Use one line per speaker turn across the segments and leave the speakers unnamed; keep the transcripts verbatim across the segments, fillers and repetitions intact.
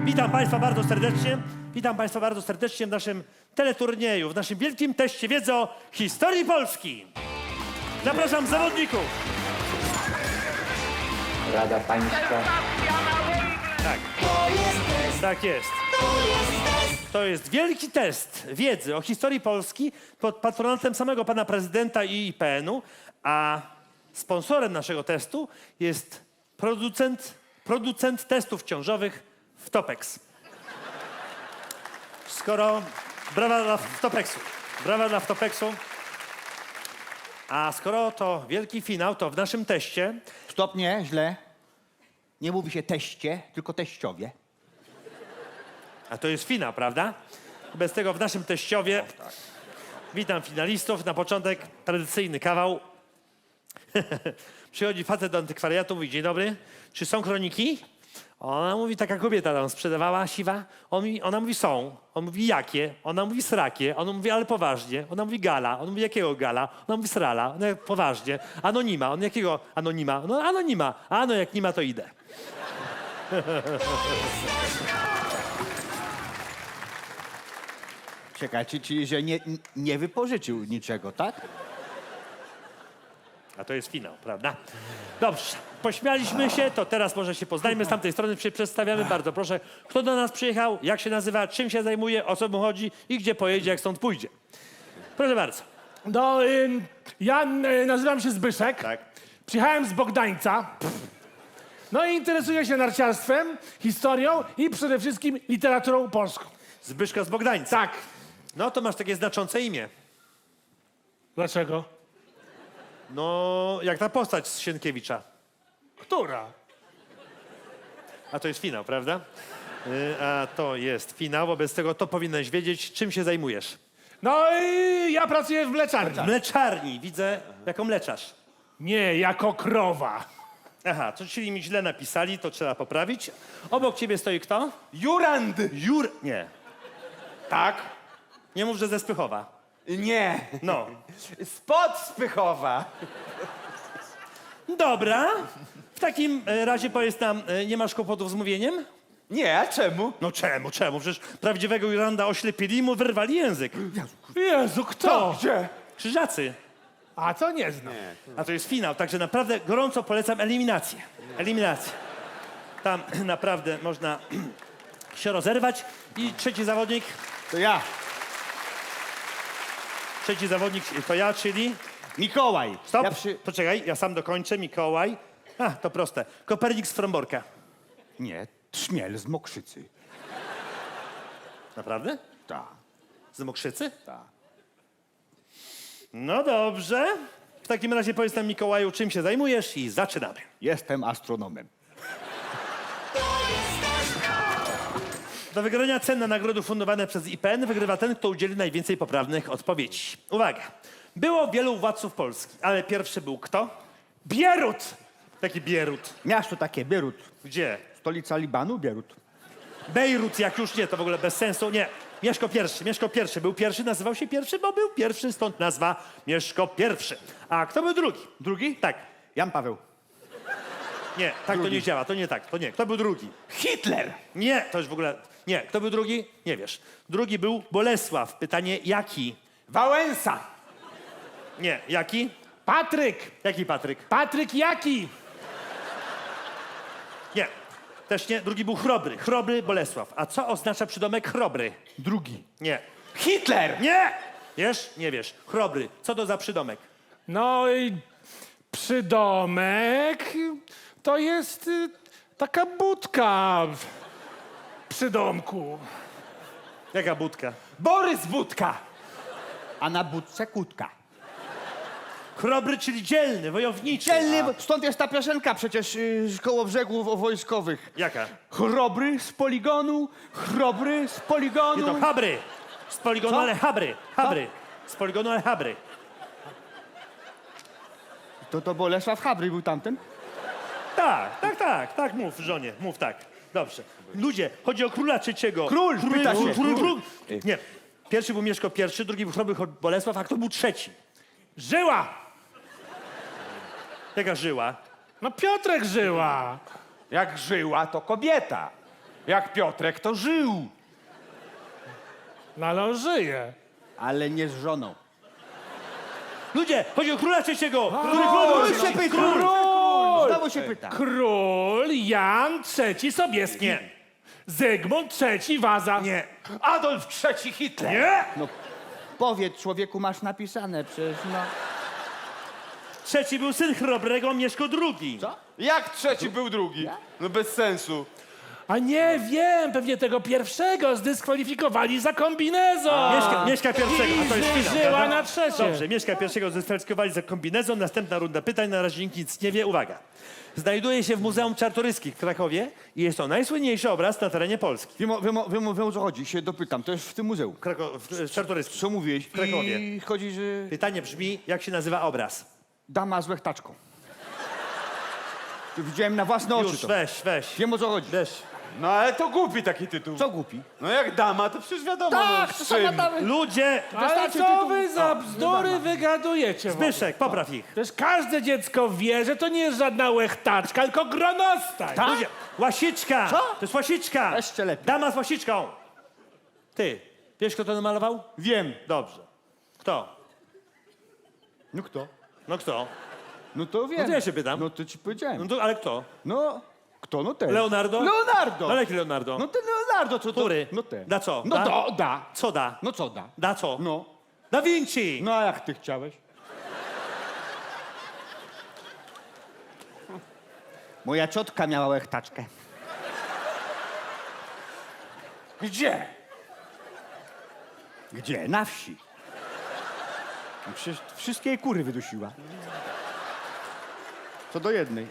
Witam Państwa bardzo serdecznie. Witam Państwa bardzo serdecznie w naszym teleturnieju, w naszym wielkim teście wiedzy o historii Polski. Zapraszam zawodników.
Rada Państwa.
Tak. Tak jest. To jest wielki test wiedzy o historii Polski pod patronatem samego pana prezydenta i I P N-u, a sponsorem naszego testu jest producent, producent testów ciążowych Wtopex. Skoro... Brawa dla Wtopexu. Brawa dla Wtopexu. A skoro to wielki finał, to w naszym teście...
Stop, nie, źle. Nie mówi się teście, tylko teściowie.
A to jest finał, prawda? Bez tego w naszym teściowie... Witam finalistów. Na początek tradycyjny kawał. Przychodzi facet do antykwariatu, mówi: dzień dobry, czy są kroniki? Ona mówi, taka kobieta tam sprzedawała, siwa. On mi, ona mówi, są. On mówi, jakie? Ona mówi, srakie. On mówi, ale poważnie. Ona mówi, gala. On mówi, jakiego gala? Ona mówi, srala. Ona mówi, poważnie. Anonima. On jakiego anonima? No anonima. A no jak nie ma, to idę.
Czekaj, czyli, czyli że nie, nie wypożyczył niczego, tak?
A to jest finał, prawda? Dobrze, pośmialiśmy się, to teraz może się poznajmy. Z tamtej strony się przedstawiamy. Bardzo proszę, kto do nas przyjechał, jak się nazywa, czym się zajmuje, o co mu chodzi i gdzie pojedzie, jak stąd pójdzie. Proszę bardzo.
No, y, ja y, nazywam się Zbyszek.
Tak.
Przyjechałem z Bogdańca. No i interesuję się narciarstwem, historią i przede wszystkim literaturą polską.
Zbyszka z Bogdańca.
Tak.
No to masz takie znaczące imię.
Dlaczego?
No, jak ta postać z Sienkiewicza.
Która?
A to jest finał, prawda? Y, a to jest finał, wobec tego to powinieneś wiedzieć, czym się zajmujesz.
No i ja pracuję w mleczarni.
W mleczarni, widzę, jako mleczarz.
Nie, jako krowa.
Aha, to czyli mi źle napisali, to trzeba poprawić. Obok ciebie stoi kto?
Jurand!
Jur... Nie.
Tak?
Nie mów, że ze Spychowa.
Nie.
No.
Spod Spychowa.
Dobra. W takim e, razie powiedz nam, e, nie masz kłopotów z mówieniem?
Nie, a czemu?
No czemu, czemu? Przecież prawdziwego Juranda oślepili i mu wyrwali język.
Jezu, kto?
Gdzie?
Krzyżacy.
A to nie znam.
A to jest finał, także naprawdę gorąco polecam eliminację. Eliminację. Tam naprawdę można się rozerwać. I trzeci zawodnik,
To ja,
trzeci zawodnik to ja, czyli...
Mikołaj.
Stop,
Ja przy...
poczekaj, ja sam dokończę. Mikołaj. A, to proste. Kopernik z Fromborka.
Nie, Trzmiel z Mokrzycy.
Naprawdę?
Tak,
Z Mokrzycy?
tak.
No dobrze. W takim razie powiedz nam, Mikołaju, czym się zajmujesz i zaczynamy.
Jestem astronomem.
Do wygrania cenna nagrody fundowane przez I P N wygrywa ten, kto udzieli najwięcej poprawnych odpowiedzi. Uwaga. Było wielu władców Polski, ale pierwszy był kto?
Bierut!
Taki Bierut.
Miasto takie, Bierut.
Gdzie?
Stolica Libanu, Bierut.
Bejrut, jak już nie, to w ogóle bez sensu. Nie. Mieszko pierwszy, Mieszko pierwszy. Był pierwszy, nazywał się pierwszy, bo był pierwszy, stąd nazwa Mieszko pierwszy. A kto był drugi?
Drugi?
Tak.
Jan Paweł.
Nie, tak
Drugi.
to nie działa, to nie tak, to nie. Kto był drugi?
Hitler.
Nie, to już w ogóle... Nie, kto był drugi? Nie wiesz. Drugi był Bolesław. Pytanie, jaki?
Wałęsa.
Nie, jaki?
Patryk!
Jaki Patryk?
Patryk jaki?
Nie, też nie. Drugi był Chrobry. Chrobry Bolesław. A co oznacza przydomek Chrobry?
Drugi.
Nie.
Hitler.
Nie! Wiesz? Nie wiesz. Chrobry. Co to za przydomek?
No i przydomek to jest y, taka budka w przydomku.
Jaka budka?
Borys Budka.
A na budce kutka.
Chrobry, czyli dzielny, wojowniczy.
Dzielny, stąd jest ta piosenka przecież yy, koło brzegów wojskowych.
Jaka?
Chrobry z poligonu, chrobry z
Nie,
poligonu.
to Habry. Z poligonu,
Co?
ale Habry. Habry. Z poligonu, ale Habry.
To to Bolesław Chabry był tamten?
Tak, tak, tak, tak, mów żonie, mów tak. Dobrze. Ludzie, chodzi o króla trzeciego.
Król, pyta się,
król, król,
król.
król. Nie. Pierwszy był Mieszko pierwszy, drugi był Chrobry Bolesław, a kto był trzeci?
Żyła!
Jaka żyła?
No Piotrek żyła!
Jak żyła, to kobieta. Jak Piotrek to żył.
No ale on żyje.
Ale nie z żoną.
Ludzie, chodzi o króla trzeciego! Który
Król
król
się pyta.
Król!
Znowu się pyta.
Król Jan trzeci Sobieski.
Nie.
Zygmunt trzeci Waza.
Nie.
Adolf trzeci Hitler.
Nie?
No, powiedz, człowieku, masz napisane przecież, no.
Trzeci był syn chrobrego, Mieszko drugi.
Co?
Jak trzeci był drugi? No bez sensu.
A nie wiem, pewnie tego pierwszego zdyskwalifikowali za kombinezon.
Mieszka, Mieszka pierwszego, a to jest
I
finał,
żyła
prawda?
na trzecie.
Dobrze, Mieszka pierwszego zdyskwalifikowali za kombinezon. Następna runda pytań, na razie nikt nic nie wie. Uwaga. Znajduje się w Muzeum Czartoryskich w Krakowie i jest to najsłynniejszy obraz na terenie Polski.
Wiem, o- wiem, o- wiem, o- wiem o co chodzi, się dopytam. To jest w tym muzeum.
Krako- w, w Czartoryskich.
Co mówiłeś? W
Krakowie.
I chodzi, że
Pytanie brzmi, jak się nazywa obraz?
dama z łechtaczką. To widziałem na własne oczy
Już,
to.
weź, weź.
Wiem o co chodzi.
Weź.
No ale to głupi taki tytuł.
Co głupi?
No jak dama, to przecież wiadomo,
Tak,
no,
to
z
sama
czym.
damy.
Ludzie!
Ale
Wystarczy
co
tytuł.
wy za bzdury wygadujecie? w ogóle?
Zbyszek, popraw ich.
Przecież każde dziecko wie, że to nie jest żadna łechtaczka, tylko gronostaj.
Tak?
Ludzie, łasiczka!
Co?
To jest łasiczka!
Jeszcze lepiej.
Dama z łasiczką! Ty, wiesz kto to namalował?
Wiem.
Dobrze. Kto?
No kto?
No kto?
No to wiem.
No to ja się pytam.
No to ci
No
powiedziałem.
to, ale kto?
No, kto? No ten.
Leonardo?
Leonardo!
Ale jaki Leonardo?
No ten Leonardo, co to?
Który?
No ten.
Da co?
No
Da?
da, da.
Co da?
No co da?
Da co?
No.
Da Vinci!
No a jak ty chciałeś? Moja ciotka miała łechtaczkę.
Gdzie?
Gdzie? Na wsi. No przecież wszystkie jej kury wydusiła. Co do jednej.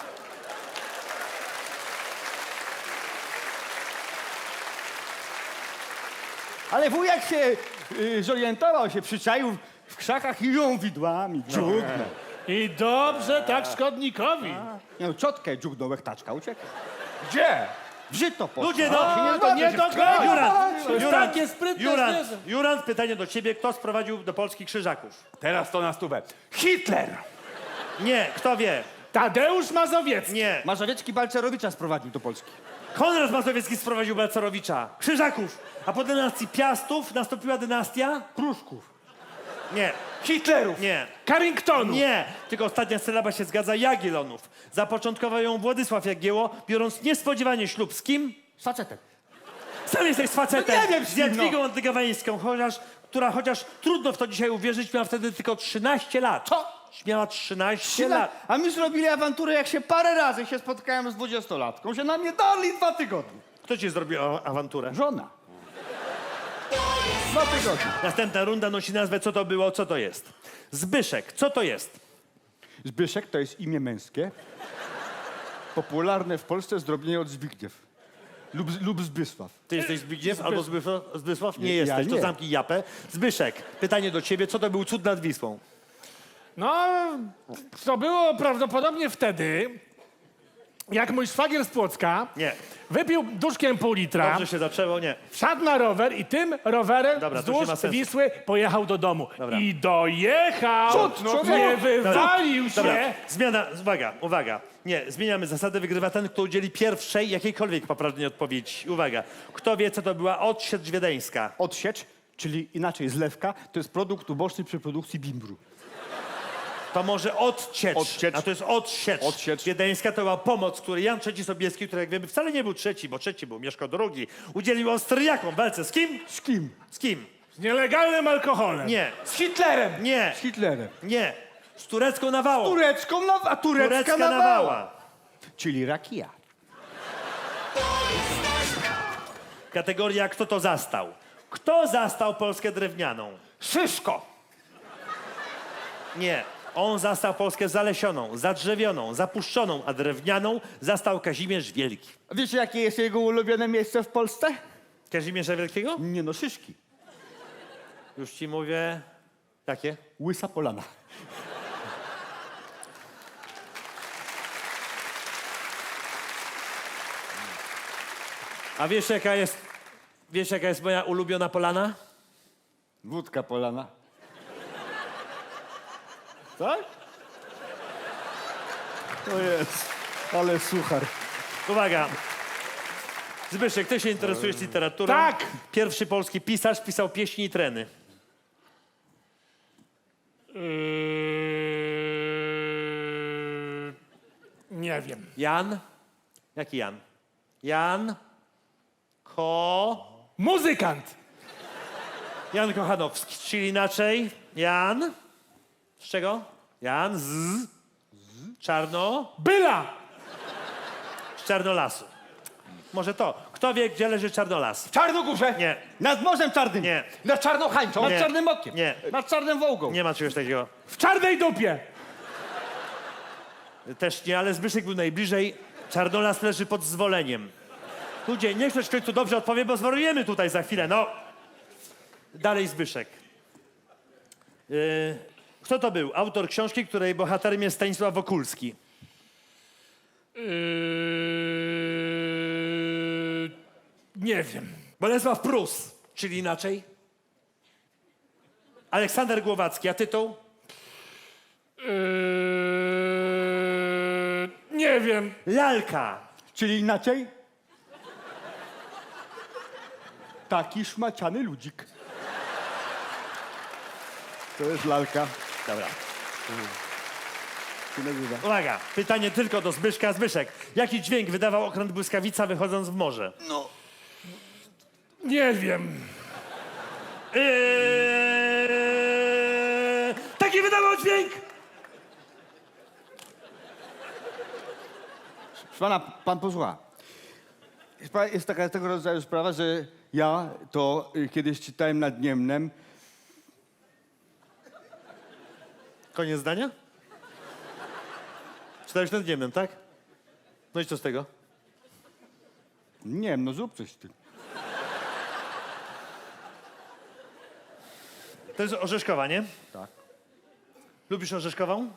Ale wujek się y, zorientował, się przyczaił w krzakach i ją widłami dżugnął.
I dobrze tak szkodnikowi.
Nie no, ciotkę dżugnął, łechtaczka ucieka.
Gdzie?
W żyto poszła.
Ludzie, no!
A, to nie do końca.
Jurand,
To jest
Jurand,
takie sprytne
Jurand,
zwierzę.
Jurand, pytanie do ciebie. Kto sprowadził do Polski krzyżaków?
Teraz to na stówę. Hitler!
Nie, kto wie?
Tadeusz Mazowiecki.
Nie.
Mazowiecki Balcerowicza sprowadził do Polski.
Konrad Mazowiecki sprowadził Balcerowicza. Krzyżaków. A po dynastii Piastów nastąpiła dynastia?
Pruszków.
Nie,
Hitlerów!
nie,
Carringtonu.
nie. Tylko ostatnia sylaba się zgadza. Jagiellonów. Zapoczątkował ją Władysław Jagiełło, biorąc niespodziewanie ślub z kim?
Z facetem.
Sam jesteś z facetem.
No nie wiem, z
z
kim, no.
Jadwigą Antygawańską, chociaż, która chociaż trudno w to dzisiaj uwierzyć, miała wtedy tylko trzynaście lat.
Co?
Miała trzynaście lat.
A my zrobili awanturę, jak się parę razy się spotkałem z dwudziestolatką, się na mnie dali dwa tygodnie.
Kto ci zrobił a- awanturę?
Żona. Dwa tygodnie.
Następna runda nosi nazwę Co to było, co to jest. Zbyszek, co to jest?
Zbyszek to jest imię męskie. Popularne w Polsce zdrobnienie od Zbigniew. Lub, lub Zbysław.
Ty jesteś Zbigniew albo Zbysław? Zbysław? Nie
Ja
jesteś, to
nie.
zamknij japę. Zbyszek, pytanie do ciebie. Co to był cud nad Wisłą?
No, to było prawdopodobnie wtedy, jak mój szwagier z Płocka
Nie.
wypił duszkiem pół litra,
Dobrze się zaczęło? Nie.
wsiadł na rower i tym rowerem
Dobra, to już nie
wzdłuż
ma sensu.
Wisły pojechał do domu.
Dobra.
I dojechał,
Cud, no,
nie
no.
wywalił się.
Dobra, zmiana, uwaga, uwaga. Nie, zmieniamy zasadę, wygrywa ten, kto udzieli pierwszej jakiejkolwiek poprawnej odpowiedzi. Uwaga, kto wie, co to była odsiecz wiedeńska?
Odsiecz, czyli inaczej zlewka, to jest produkt uboczny przy produkcji bimbru.
To może odciecz,
Odciecz.
a to jest odsiecz.
Odsiecz.
Wiedeńska to była pomoc, której Jan trzeci Sobieski, który jak wiemy wcale nie był trzeci, bo trzeci był Mieszko drugi, udzielił Austriakom w walce. Z kim?
Z kim?
Z kim?
Z nielegalnym alkoholem.
Nie,
Z Hitlerem!
nie,
Z Hitlerem.
nie. Z turecką nawałą.
Turecką na, a turecka,
Turecka
nawała.
nawała.
Czyli rakija.
Kategoria kto to zastał. Kto zastał Polskę drewnianą?
Szyszko!
Nie. On zastał Polskę zalesioną, zadrzewioną, zapuszczoną, a drewnianą zastał Kazimierz Wielki.
A wiecie, jakie jest jego ulubione miejsce w Polsce?
Kazimierza Wielkiego?
Nie no, Szyszki.
Już ci mówię. Jakie?
Łysa Polana.
A wiesz jaka jest, wiesz jaka jest moja ulubiona polana?
Wódka Polana. Tak? To jest, ale suchar.
Uwaga. Zbyszek, ty się interesujesz literaturą?
Tak.
Pierwszy polski pisarz pisał pieśni i treny.
Yy... Nie wiem.
Jan? Jaki Jan? Jan? Ko...
Muzykant.
Jan Kochanowski, czyli inaczej Jan... Z czego? Jan z... z... Czarno...
Byla.
z Czarnolasu. Może to. Kto wie, gdzie leży Czarnolas?
W Czarnogórze.
Nie,
Nad Morzem Czarnym.
nie,
Nad Czarnochańczą.
Nad
Nie.
Czarnym Okiem.
nie.
Nad Czarnym Wołgą.
Nie ma czegoś takiego.
W czarnej dupie.
Też nie, ale Zbyszek był najbliżej. Czarnolas leży pod zwoleniem. Ludzie, niech ktoś w końcu dobrze odpowie, bo zwariujemy tutaj za chwilę, no. Dalej Zbyszek. Yy, kto to był? Autor książki, której bohaterem jest Stanisław Wokulski.
Yy... Nie wiem.
Bolesław Prus, czyli inaczej. Aleksander Głowacki, a tytuł?
Yy... Nie wiem.
Lalka.
Czyli inaczej? Taki szmaciany ludzik. To jest lalka.
Dobra.
Się nazywa.
Uwaga, pytanie tylko do Zbyszka. Zbyszek, jaki dźwięk wydawał okręt błyskawica wychodząc w morze?
Nie wiem.
Eee, taki wydawał dźwięk!
Proszę pana, pan posłucha. Jest, pa- jest taka tego rodzaju sprawa, że ja to y, kiedyś czytałem nad Niemnem.
Koniec zdania? Czytałeś nad Niemnem, tak? No i co z tego?
Nie wiem, no zrób coś z tym.
To jest Orzeszkowa, nie?
Tak.
Lubisz Orzeszkową?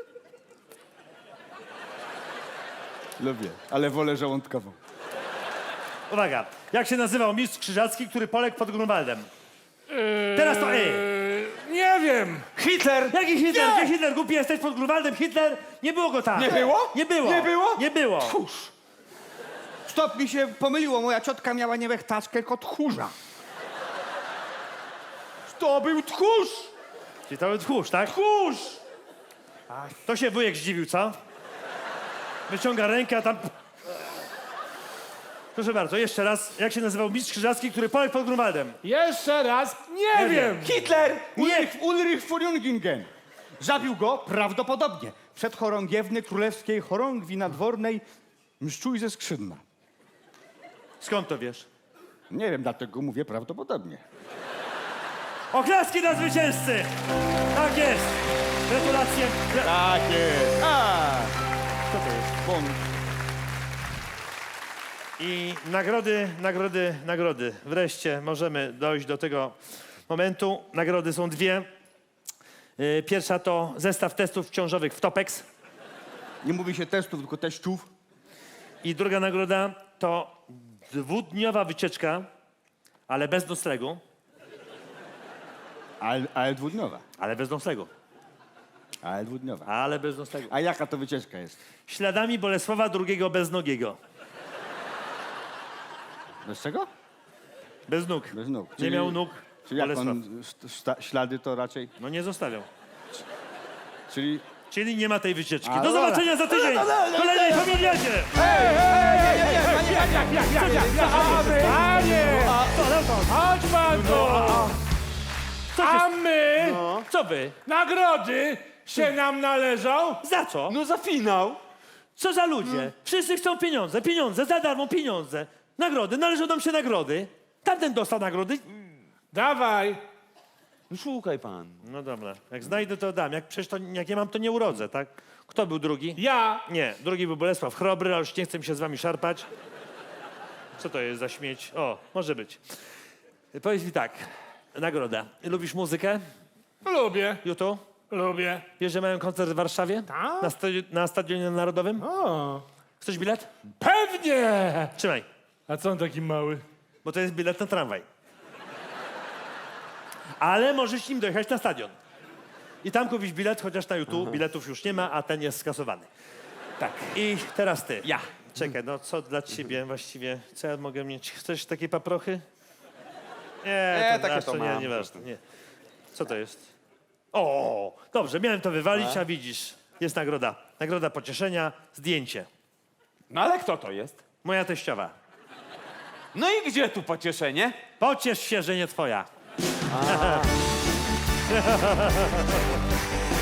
Lubię, ale wolę żołądkową.
Uwaga, jak się nazywał mistrz krzyżacki, który poległ pod Grunwaldem? Teraz to E.
Yy... Nie wiem.
Hitler.
Jaki Hitler? Gdzie Hitler? Głupi jesteś pod Grunwaldem? Hitler? Nie było go tam.
Nie było?
Nie było.
Nie było?
Nie było.
Tchórz.
Stop, mi się pomyliło. Moja ciotka miała nie wechtaczkę, tylko tchórza.
To był tchórz.
Czyli to był tchórz, tak?
Tchórz.
To się wujek zdziwił, co? Wyciąga rękę, a tam... Proszę bardzo, jeszcze raz. Jak się nazywał mistrz krzyżacki, który poległ pod Grunwaldem?
Jeszcze raz. Nie,
Nie
wiem.
wiem.
Hitler.
Ulrich, Ulrich Furungingen. Zabił go prawdopodobnie przed chorągiewny królewskiej chorągwi nadwornej mszczuj ze skrzydna.
Skąd to wiesz?
Nie wiem, dlatego mówię prawdopodobnie.
Oklaski dla zwycięzcy! Tak jest! Gratulacje! Gra-
Tak jest. A,
Co to jest?
bonus.
I nagrody, nagrody, nagrody. Wreszcie możemy dojść do tego momentu. Nagrody są dwie. Yy, Pierwsza to zestaw testów ciążowych w Topex.
Nie mówi się testów, tylko teściów.
I druga nagroda to dwudniowa wycieczka, ale bez noclegu.
Ale, ale dwudniowa.
Ale bez noclegu.
Ale dwudniowa.
Ale bez noclegu.
A jaka to wycieczka jest?
Śladami Bolesława drugiego beznogiego.
Bez czego?
Bez nóg.
Bez nóg.
Nie miał nóg
Czyli jak
Bolesław.
on st- sta- ślady to raczej...
No nie zostawiał.
Czyli...
Czyli nie ma tej wycieczki.
A,
Do
dobra.
zobaczenia za tydzień!
No, no, no,
W kolejnej familiadzie!
Panie! Chodź pan tu!
Co,
A
ty,
my
co wy?
nagrody się nam należą?
Za co?
No za finał.
Co za ludzie? Wszyscy chcą pieniądze, pieniądze, za darmo pieniądze. Nagrody, należą nam się nagrody. Tamten dostał nagrody.
Dawaj.
No szukaj pan.
No dobra, jak znajdę to dam. Jak przecież to, jak nie mam, to nie urodzę, tak? Kto był drugi?
Ja.
Nie, drugi był Bolesław Chrobry, ale już nie chcę mi się z wami szarpać. Co to jest za śmieć? O, może być. Powiedz mi tak, nagroda. Lubisz muzykę?
Lubię.
Jutu?
Lubię.
Wiesz, że mają koncert w Warszawie?
Tak?
Na, stadi- na Stadionie Narodowym?
O,
Chcesz bilet?
pewnie.
Trzymaj,
A co on taki mały?
bo to jest bilet na tramwaj. Ale możesz nim dojechać na stadion. I tam kupić bilet, chociaż na YouTube biletów już nie ma, a ten jest skasowany. Tak. I teraz ty.
Ja.
Czekaj, no co dla ciebie właściwie? Co ja mogę mieć? Chcesz takiej paprochy? Nie,
Nie,
to,
takie
nasz,
to
to nie,
mam.
nieważne. Nie. Co to jest? O, dobrze, miałem to wywalić, a widzisz, jest nagroda. Nagroda pocieszenia, zdjęcie.
No ale kto to jest?
Moja teściowa.
No i gdzie tu pocieszenie?
Pociesz się, że nie twoja.